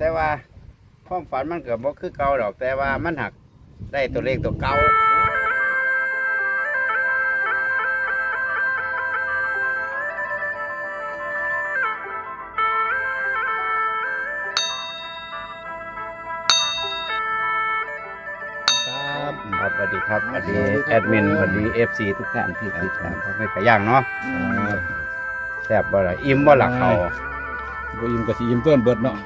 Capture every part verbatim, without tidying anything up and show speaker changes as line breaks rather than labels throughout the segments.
แต่ว่าความฝันมันเกิดบ่คือเก่าดอกแต่ว่ามันหักได้ตัวเลขตัวเก่าครับสวัสดีครับสวัสดีแอดมินสวัสดีเอฟซีทุกท่านที่ติดตามเขาไม่ขย่างเนาะแซ่บบ่ล่ะอิ่มบ่ล่ะเขา
บ่อิ่มก็สิอิ่มต้นเบิดเนาะ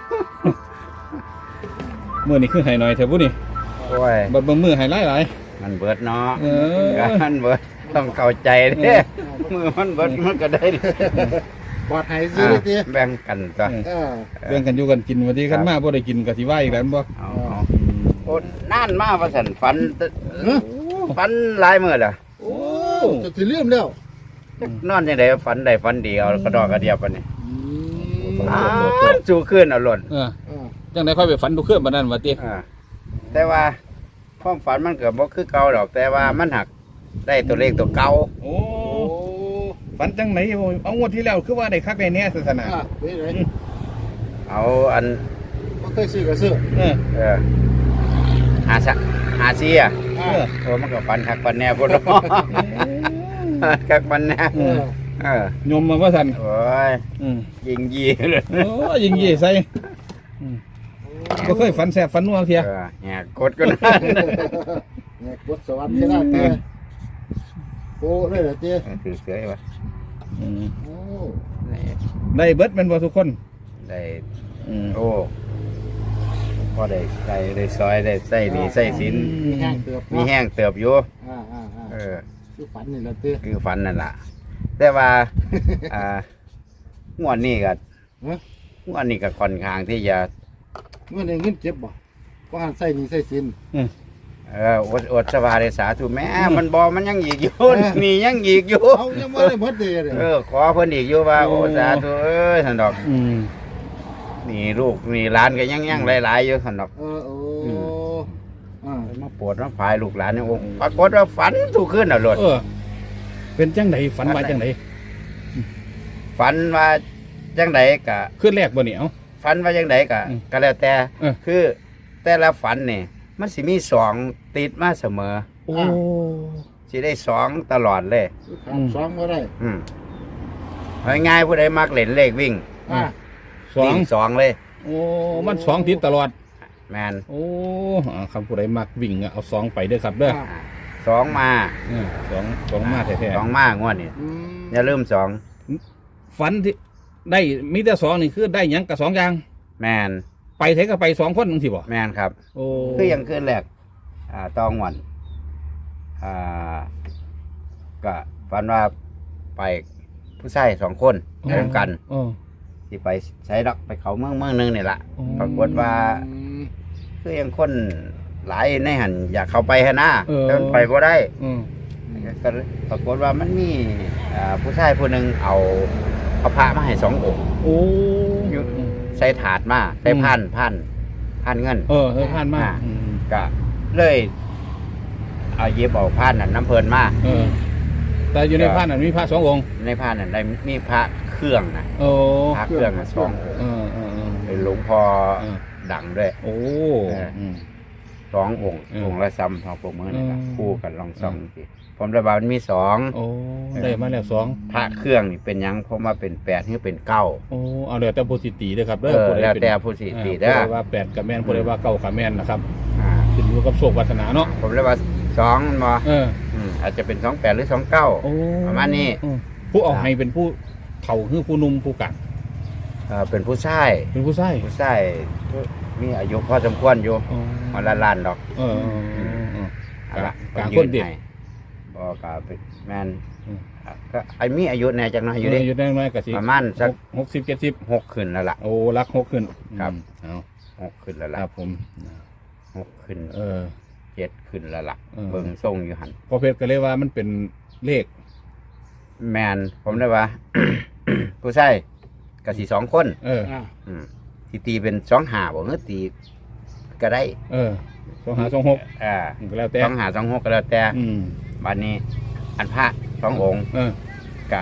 มื้อนี้คือให้หน่อยแท้บุนี่
โอ้ย
บ่เบิ่งมื้อให้หลาย
มันเบิดเนาะ
ๆเออ
มันเบิดต้องเข้าใจเด้มือมันเบิดมันก็ได้
ปลอดภัยสิเด้อ
แบ่งกันตัว
เออ
เรื่องกันอยู่กันกินวันที่คันมาบ่ได้กินก็สิว่าอีกแล้วบ่
เอาโอ้นานมาว่าซั่นฝันฝันหลายมื้อล่ะ
โอ้จะสิลืมแล้ว
นอนจังได๋ฝันได้ฝันดีเอากระดอกกระเดียบปานนี้
อืม
อ้าวสู่คืนเอาหล่น
เออ
เออ
จังได๋ค่อยไปฝันทุกคืนบัดนั้นว่าติ
อ่าแต่ว่าความฝันมันก็บ่คือเก่าดอกแต่ว่ามันหักได้ตัวเลขตัวเก่า
โอ้
โอ้
ฝันจังไหนเอางวดที่แล้วคือว่าได้คักได้แน่ศาสนา
อ่ะเป็นไง
เอาอัน
บ่เคยซื้อก็ซื้อ
เออ
เออหาซะหาซีอ่ะ
อ่า
โอ้มันก็ฝันคักฝันแน่พุ่นเนาะคักฝันแน่
เออ
เออย
มมาว่าซั่น
โอ้ย
อืม
ยิงยีเลย
โอ้ยิงยี่ใส่อืมบ่เคยฝันแซ่บฝันนัวเทีย
เออแหกกดก็นั่น
เนี่ยกดสวรรค์ชนะเต้โอ้เลยเหรอเต้
ถือเสือไว้
อืม
โอ้
ได้เบิดแม่นบ่ทุกคน
ได้
อืม
โอ้พอได้ใส่ได้ซอยได้ใส่หนี่ใส่สิน
มีแห้งเติบ
มีแห้งเติบอยู่
อ่าอ่าอ่า
เออ
คือฝันนี่แหละเต้
คือฝันนั่นล่ะ แต่ว่า อ่างวดนี้ก็
ฮะ
งวดนี้ก็ค่อนข้างที่จะ
เมื่อในเงินเจ็บบ่ก็หันใส่หนี่ใส่สิน
เอออดอดสบายได้สาธุแม่มันบอมันยังอีกอยู่นี่ยังอีกอยู่
เอายังบ่ได้หมดเลยเด้
เออขอเพิ่นอีกอยู่ว่าโอ้สาธุเอ้ยท่านดอก
อืม
นี่ลูกนี่หลานก็ยังยังหลายๆอยู่ท่านดอก
เออโอ้อ่า
มาปวดมาพายลูกหลานนี่โอ้ปรากฏว่าฝันทุกคืนน่ะโลด
เออ เป็นจังไดฝันว่าจังได
ฝันว่าจังไดกะ
คืนแรกบ่นี่เอ้า
ฝันว่าจังไดกะ
อืม
ก็แล้วแต่
เออ
คือแต่ละฝันนี่มันสิมีสองติดมาเสมอ
โอ้
สิได้สองตลอดเลย
ขาดสองบ่ได้
อืมเอาง่ายๆผู้ใดมักเล่นเลขวิ่ง
อ่า
สอง
วิ่งสองเลย
โอ้มันสองติดตลอด
แมน
โอ้อ่าคำผู้ใดมักวิ่งอะเอาสองไปเด้อครับเด้อ
อ่าสองมา
เออสองสองมาแท้
สองมางวดนี่
อืม
อย่าลืมสอง
ๆฝันที่ได้มีแต่สองนี่คือได้หยังกับสองอย่าง
แมน
ไปเทก็ไปสองคนจังซี่บ่
แมนครับ
โอ้
คือยังขึ้นแรกอ่าตองวันอ่าก็ฝันว่าไปผู้ชายสองคนเริ่มกัน
เออ
ที่ไปใช้ดอกไปเขาเมืองเมืองหนึงนี่แหละ
อ๋อ
ปรากฏว่าคือยังคนหลายในหันอยากเข้าไปฮะนะแต่มันไปบ่ได้
เออ
ก็ปรากฏว่ามันมีอ่าผู้ชายผู้หนึ่งเอาเอาพระมาให้สององค์
โอ้
อยู่ ใส่ถาดมาใส่พันพันพันเงิน
เออเออผ่านมา
อ่า
อืม
ก็เลยเอาเย็บเอาพันนั่นน้ำเพลินมา
เออ แต่อยู่ในผ่านนั้นมีพระสององค์
ในพันนั่นได้มีพระเครื่องนะ
โอ้
พระเครื่องน่ะสององค์
เออเออเออ
เป็นหลวงพ่อ
เออ
ดังด้วย
โอ้
เอออื
ม
สององค์
เออ
องค์ละซ้ำทองปรบมือนะครับ
อืม
คู่กันลองซ้ำสิผมระบาดมันมีสอง
โอ้ได้มาแล้วสอง
พระเครื่องนี่เป็นหยังผมว่าเป็นแปดหรือเป็นเก้า
โอ้เอาแล้วแต่ผู้สิตีเด้อครับ
เอ
เด้อ
อ
ผู้ใด
แล้ว
เป็น
แต่ผู้สิตี
เอ
เด้
อ
อ
ผู้ใดว่าแปดกับแม่นผู้ใดว่าเก้ากับแม่นนะครับ
อ่า
ขึ้นอยู่กับโชควาสนาเนาะ
ผมเรียกว่าสองมา
เออ
อืมอาจจะเป็นสองแปดหรือสองเก้า
โอ้
ประมาณนี้
อืมผู้เอาให้เป็นผู้เฒ่าคือผู้หนุ่มผู้กัด
เป็นผู้ชาย
เป็นผู้ชาย
ผู้ชายมีอายุพอสมควรอยู่
อ๋อ
มาละล้านดอก
เออเออเออเออ
เอาละ
กลางคนเด็ก
ให้บอกกับแมน
อืม
ก็ไอ้มีอายุแน่จังน้อยอยู่ดิ
อยู่ได้น้อยกับสิ
ประมาณสัก
หกสิบเจ็ดสิบ
หกขึ้นแล้วล่ะ
โอ้รักหกขึ้น
ครับ
อืม
หกขึ้นแล้ว
เอา
ล่ะ
ครับผม
หกขึ้น
เออ
เจ็ดขึ้นแล้วล่ะ
เออ
เบิ่งทรงอยู่หัน
พอเพชรก็เลยว่ามันเป็นเลข
แมนผมได้ว่า ผู้ชายกับสี่สองคน
เออ
อ่า
อืมที่ตีเป็นสองหาบ่เงือตีก็ได้
เออสองหาสองหก
อ่า
ก็แล้วแต่
สองหาสองหกก็แล้วแต่
อืม
บัดนี้ อันพระสององค์
เออ
กะ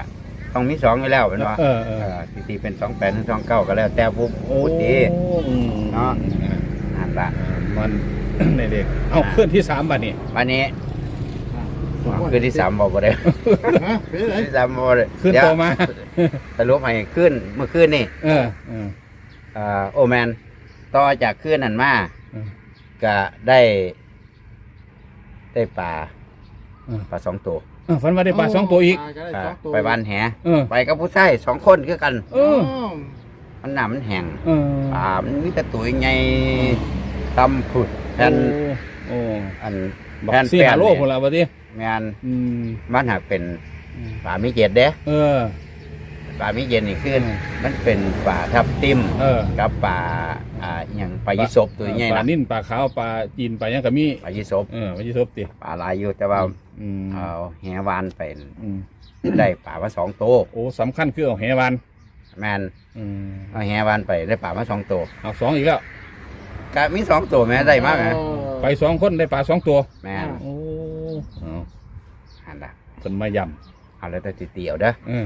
ต้องมีสองอยู่แล้วเป็นว่า
เออเออ
ตีตีเป็นสองแปดถึงสองเก้าก็แล้วแต่ผู้
โอ้
ผู้ตี
อืม
เนาะ นั่นละ
มัน ในเด็กเอาเคลื่อนที่สามบัดนี้
วันนี้
อ่า
คืนที่สามบอกบ่ได้
ฮะเป็นไร
คืนที่สามบอกบ่ได้
ขึ้น
เดี๋ยว
ต่อมา
สรุปให้ขึ้นเมื่อคืนนี่
เออเออ
อ่าโอแมนต่อจากคืนนั้นมา
เออ
ก็ได้ได้ปลา
เออ
ปลาสองตัว
เออฝันว่าได้ปลาสองตัวอีก
ปลาได้
อ่า
สองตัว
ไปบ้านแห
เออ
ไปกับผู้ชายสองคนคือกัน
เออ
มันหนามันแห้ง
เออ
ปลามันมีแต่ตัวใหญ่ตำผุดแผ่น
โอ้
อัน
บอก
แผ่น
สี่
แป้
หาน โลพนละบัดนี้
งาน
อืม
มันหากเป็นปลามีเจ็ดเด้
เออ
ปลามีเย็นนี่ขึ้น
เออ
มันเป็นปลาทับทิม
เออ
กับปลาอ่าอหย่างปลายิศบตัวใหญ่
ปลา
นะ
นิ่นปลาขาวปลาจีนปลาหยังก็มี
ปลายิศบ
เออปลายี่สบติ
ปลาหลายอยู่แต่ว่า
อืม
เอาแหวานเป็น
อืม
ได้ปลามาสองตัว
โอ้สำคัญคือเอาแหวาน
แมน
อืม
เอาแหวานไปได้ปลามาสองตัว
เอาสองอีกแล้ว
ก็มีสองตัวแม่ได้มากนะ
ไปสองคนได้ปลาสองตัว
แมน
โอ้เอา
หันละ
คนมาย
เอาแล้วแต่ตีเตียวเด้อ
ำเออ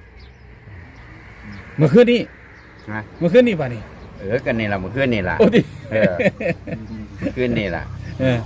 เมื่อคืนนี้
นะ
เมื่อคืนนี้ป่ะนี่
เออกันนี่ละเมื่อคืนนี่ละ
โอ้ดิ
เออเมื่อคืนนี่ละ
เออ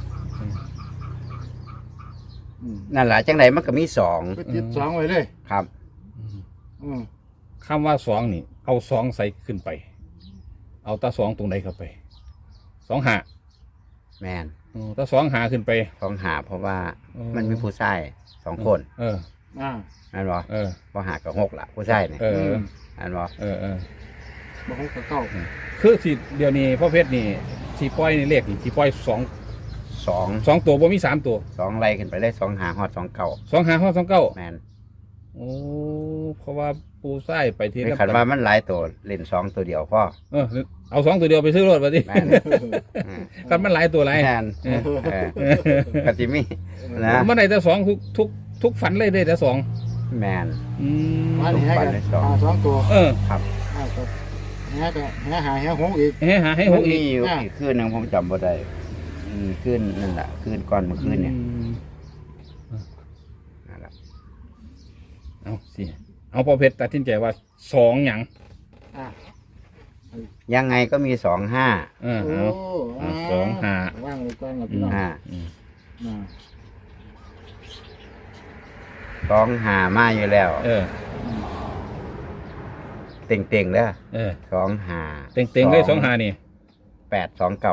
นั่นแหละจังไหนมันก็มีสอง
ก็ติดสองไว้เลย
ครับ
อืม
คำว่าสองนี่ เอาสองใส่ขึ้นไป เอาตาสองตรงไหนเข้าไปสองหา
แมน
อืมตาสองหาขึ้นไป
สองหาเพราะว่า
อืม
มันมีผู้ชายสองคน
เออ
อ่า
นั่นบอ
เออ
พอหากับหกละผู้ชายเนี่ย
เออ
นั่นบอ
เออเออ
บอกให้เก้า
คือสิเดี๋ยวนี้พ่อเพชรนี่สีป้อยนี่เลขนี่สีป้อยสอง
สอง
สองตัวบ่มีสามตัว
สองไล่ขึ้นไปได้สองหาฮอดสองเก่า
สองหาห้าสองเก้า
แมน
โอ้เพราะว่าปูไส้ไปที
ไม่
ละ
ขันว่ามันหลายตัวเล่นสองตัวเดียวพ่อ
เออเอาสองตัวเดียวไปซื้อรถมาดิ
แมนอืม
กันมันหลายตัวหลาย
แมน
เออ
เออกติมีนะ
มันได้แต่สองทุกทุกทุกฝันเลยได้แต่สอง
แมน
อืม
มานี่ให้กันหาสองตัว
เออ
ครับ
อ่าก็แหก็แหหาแหหงอีก
ให้หาให้ห
มัน
กอี
มี
ก
อยู่
อ่า
อีกคืนหนึงผมจำบ่ได้อืมคืนนั่นแหละคืนก่อนเมื่อคืนเนี่ย
อืม
นั่นแหละ
เอาสิเอาพอเพชรตัดสินใจว่าสองหยัง
อ่า
ยังไงก็มีสองห้า
เออ
โอ้
เอา สองห้า
ว่างเลยก่อนกับพี่น้อง
อ่า
อืม
อ่า
สองหามาอยู่แล้ว
เออ
เต่งเต่งๆเด้อ
เออ
สองหา
เต็งเต็งเลยสองหานี่
แปดสองเก้า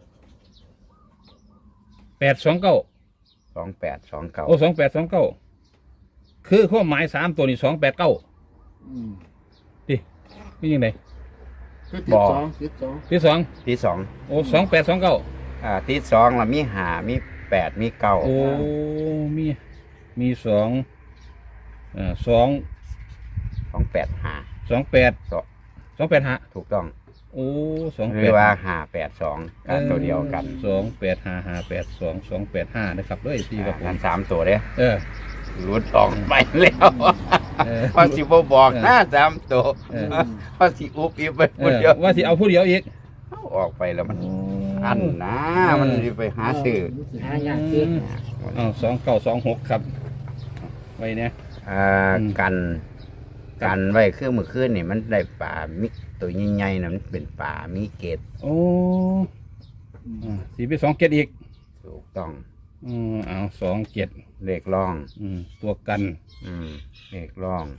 แปดสองเก้า
สองแปดสองเก้า
โอ้สองแปดสองเก้าคือข้อหมายสามตัวนี่สองแปดเก้า
อืม
ดินี่ยังไง
คือติดสองติดสอง
ที่สอง
ที่สอง
โอ้สองแปดสองเก้า
อ่าที่สองเรามีหามีแปดมีเก้า
โอ้มีมีสองอ่าสอง
สองแปดหา
สองแปด
สอง
สองแปดหา
ถูกต้อง
โอ้สอง
ห
แป
รือ
ด
ว่าหาแปดสองกันตัวเดียวกัน
สองแปดห้าห้าแปดสองสองแปดห้านะครับด้วยพี่กับ
อ่า
ผ
กั
ม
นสามตัวเด้อ
เออ
รุดออกไปแล้ว
เออ
พอสิบบอกหน้าสามตัว
เออ
พอสิอุบอีกไป
เอ
คน
อ
เดียว
ว่าที่เอาผู้เดียวอีก
เอาออกไปแล้วมันอันนะมันสิไปหาซื้อ
หายากซื้อ
อ๋อสองเก้าสองหกครับ ไว้เนี่ย
อ่า
อืม
กันกันไว้คือเมื่อคืนนี่มันได้ปลามิตัวใหญ่ๆนะมันเป็นปลามีเกต
โอ้อ่าสี่ไปสองเจ็ดอีก
ถูกต้อง
อืมเอาสองเจ็ด
เลขร่อง
อืมตัวกัน
อืมเลขร่อง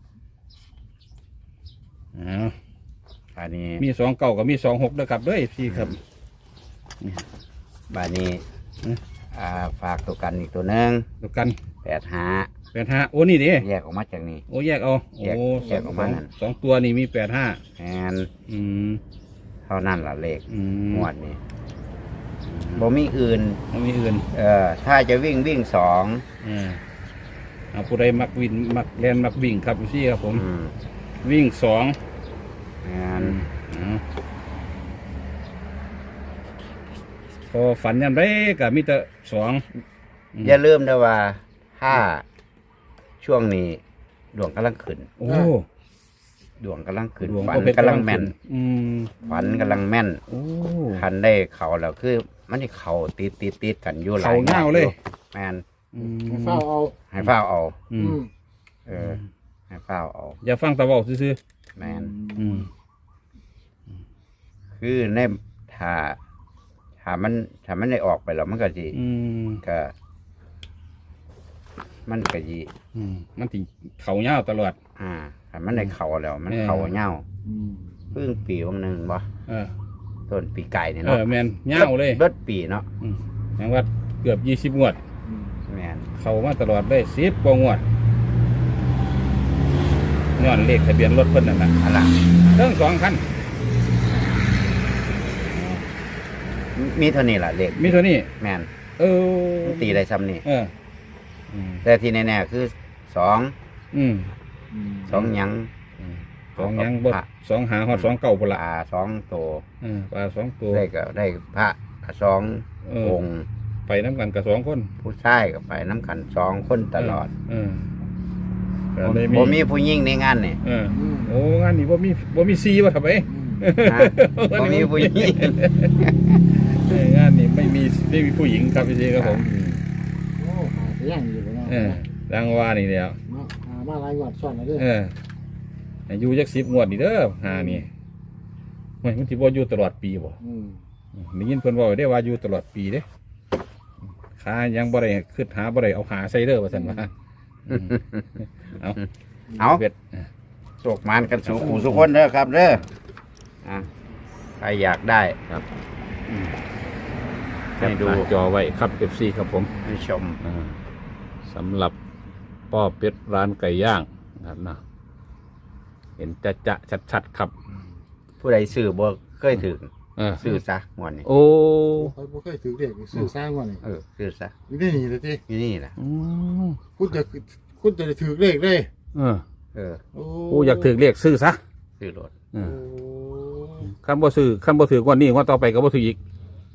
เอา
อันนี้
มีสองเก้ากับมีสองหกด้วยครับด้วยพี่ครับ
บานี้
อืม
อ่าฝากตัวกันอีกตัวหนึ่ง
ตัวกัน
แปดหา
แปดห้าโอ้นี่ดิ
แยกออกมาจากนี้
โอ้แยกเอาโอ้
แยกแยกออกมา
สอง
นั่น
สองตัวนี่มีแปดห้า
แอน
อืม
เท่านั้นล่ะเลข
อืม
งวดนี้บ่มีอื่น
ไม่มีอื่น
เออถ้าจะวิ่งวิ่งสอง
อ่าเอาผู้ใดมักวินมักแลนมักวิ่งครับพี่ครับผม
อืม
วิ่งสอง
แอน
อืมพอฝันยันไรก็มีแต่สอง ม
อย่าลืมนะว่าถ้าช่วงนี้ดวงกำลังขึ้น
โอ้
ดวงกำลังขึ้น
ดวง
ฝัน
ก็เป็น
กำลังแม่น
อืม
ฝันกำลังแม่น
โอ้
คันได้เข่าแล้วคือ มันที่เข่าติดติดติดกันอยู่หลาย
เข่าเง่าเลย
แม่น
อืม
เฝ้าเอา
ให้เฝ้าเอา
อื
อื
ม
ม
เออให้เฝ้าเอา
อย่าฟังตะเว้าซื่อ
แมน
ๆอืม
คือในถ้าถ้ามันถ้ามันได้ออกไปแล้วมันก็สิ
อืม
ก็ มันก็สิ
อืมมันสิเข้ายาวตลอด
อ่าถ้ามันได้เข่าแล้ว มัน
เออ
เข่าเหย้า
อืม
เพิ่งปีวันหนึงบ่
เออ
ต้นปีไก่นี่
เอ
เนาะ
อแม่นยาวเลย
เบิดปีเนาะ
อืมแม่งว่าเกือบยี่สิบงวด
อืม
แมน
เข้ามาตลอดเลยสิบกว่างวดย้อนเลขทะเบียนรถเพิ่นนั่นน่ะ
อะไร
เรื่องสองคัน
มีเท่านี้ล่ะเลข
มีเท่านี้
แมน
เออ
มันตีได้ซ้ำนี่
เอออืม
แต่ที่แน่ๆคือสอง
อืม
อืม
สองหยัง
อืมสองหยังบดสองหาฮอดสองเก่าพุ่น
ป
ละ
ลาสองตัว
เออปลาสองตัว
ได้ก็ได้พระสอง
เออ
องค์
ไปน้ำกันกับสองคน
ผู้ชายก็ไปน้ำกันสองคนตลอด
เออเออก็เลย
บ่มีผู้หญิงในงานนี่
เออ
อืม
โอ้งานนี้บ่มีบ่มีซีวะทำไม
อืม
ฮะบ่มีผู้หญิง
เอองานนี้ไม่มีไม่มีผู้หญิงครับพี่ซีครับผม
โอ้หาเสียงอยู่เนาะ
เออดังว่านี่เดียว
เนาะหามาหลายงวดซ้อนแล้วเด้อ
เอออายุจักสิบงวดนี่เด้อหานี่ไม่มันสิบ่อยู่ตลอดปีบ่
อืม
ได้ยินเพิ่นเว้าได้ว่าอยู่ตลอดปีเด้ขายังบ่ได้ขึ้นหาบ่ได้เอาหาใส่เด้อว่าซั่นว่าอืมเอา
เอา
เบ็ด
โศกมานกันสู่ขู่สุกคนเด้อครับเด้ออ่ะใครอยากได้
ครับ
ให้ดู
หน้าจอไว้ครับ เอฟ ซี ครับผม
ให้ชม
อ่าสำหรับป้อเป็ดร้านไก่ย่างนะครับนะเห็นจะจะชัดๆครับ
ผู้ใดซื้อบ่เคยถึง
เออ
ซื้อซะงวดนี้
โอ้
เขาบ่เคยถือเด็กซื้อสร้างว่านี่
เออซื้อซะ
อยู่ที่นี่เลยติ
อยู่นี่แหละ
อืม
คุณจะคุณจะได้ถือเลขเลย
เออ
เออ
โอ้
โอ้อยากถือเรียกซื้อซะ
ซื้อรถ
เอ
โอ้
อคันบ่ซื้อคันบ่ถือวันนี้วันต่อไปก็บ่ถืออีก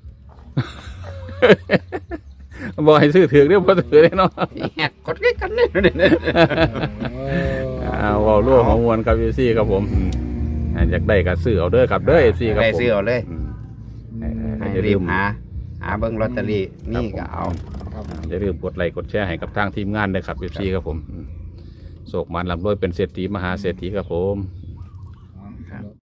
บอกให้ซื้อถือเรียกบ่ถือได้เนาะ
แหกกดกันเลย
เออ
อ่าเว้ารั่วของมวลครับ เอฟ ซี ครับผมอืมอ่าอยากได้ก็ซื้อเอาเด้อครับเด้อ เอฟ ซี ครับ
ได้
ผม
ซื้อเอาเลย
อืม
ให้
อย่าลื
รีบ
ม
หา หาเบิ่งลอตเตอรี่นี่ก็เอา
ครับ
อย่าลืมกดไลค์กดแชร์ให้กับทางทีมงานด้วยครับ เอฟ ซี ครับผมอืมโศกมันลำรวยเป็นเศรษฐีมหาเศรษฐีครับผม